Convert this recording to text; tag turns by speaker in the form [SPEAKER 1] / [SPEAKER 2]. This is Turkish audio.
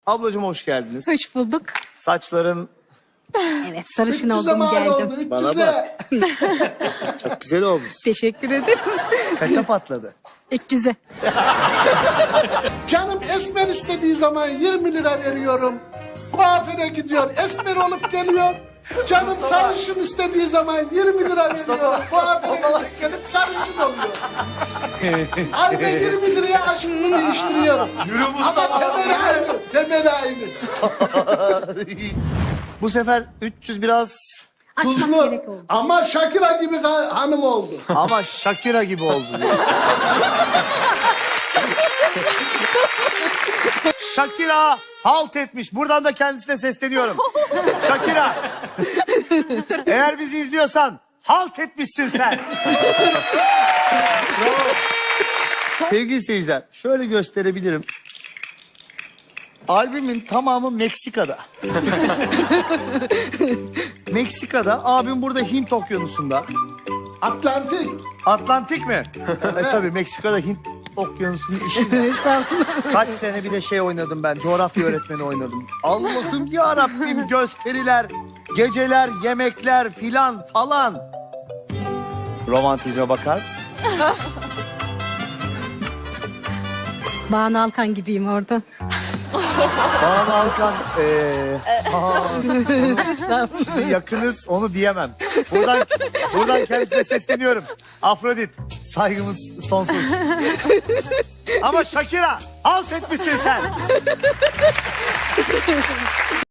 [SPEAKER 1] Ablacığım hoş geldiniz.
[SPEAKER 2] Hoş bulduk.
[SPEAKER 1] Saçların
[SPEAKER 2] Evet, sarışın
[SPEAKER 3] 300'e
[SPEAKER 2] oldum
[SPEAKER 3] mal
[SPEAKER 2] geldim.
[SPEAKER 3] oldu,
[SPEAKER 1] Bana
[SPEAKER 3] 300'e.
[SPEAKER 1] çok güzel olmuş.
[SPEAKER 2] Teşekkür ederim.
[SPEAKER 1] Kaça patladı?
[SPEAKER 2] 300'e.
[SPEAKER 3] Canım esmer istediği zaman 20 lira veriyorum. Kuaföre gidiyor, esmer olup geliyor. Canım sarışın istediği zaman 20 lira veriyor. Kuaföre gelip sarışın oluyor. Ayda 20 liraya aşkımı değiştiriyorum. Ama temel aynı, temel aynı.
[SPEAKER 1] Bu sefer 300 biraz
[SPEAKER 2] Açmak
[SPEAKER 3] Tuzlu
[SPEAKER 2] gerek oldu.
[SPEAKER 3] ama Shakira gibi hanım oldu.
[SPEAKER 1] ama Shakira gibi oldu. Shakira halt etmiş. Buradan da kendisine sesleniyorum. Shakira. Eğer bizi izliyorsan halt etmişsin sen. Bravo. Sevgili seyirciler, şöyle gösterebilirim. Albümün tamamı Meksika'da. Meksika'da, abim burada Hint Okyanusu'nda.
[SPEAKER 3] Atlantik.
[SPEAKER 1] Atlantik mi? Tabii Meksika'da Hint Okyanusu'nun işi. Kaç sene bir de şey oynadım ben, coğrafya öğretmeni oynadım. Allah'ım ya Rabbim, gösteriler, geceler, yemekler filan falan. Romantizme bakar mısın?
[SPEAKER 2] Banu Alkan gibiyim orada.
[SPEAKER 1] Kaan Alkan, yakınız, onu diyemem. Buradan kendisine sesleniyorum. Afrodit, saygımız sonsuz. Ama Shakira, halt etmişsin sen.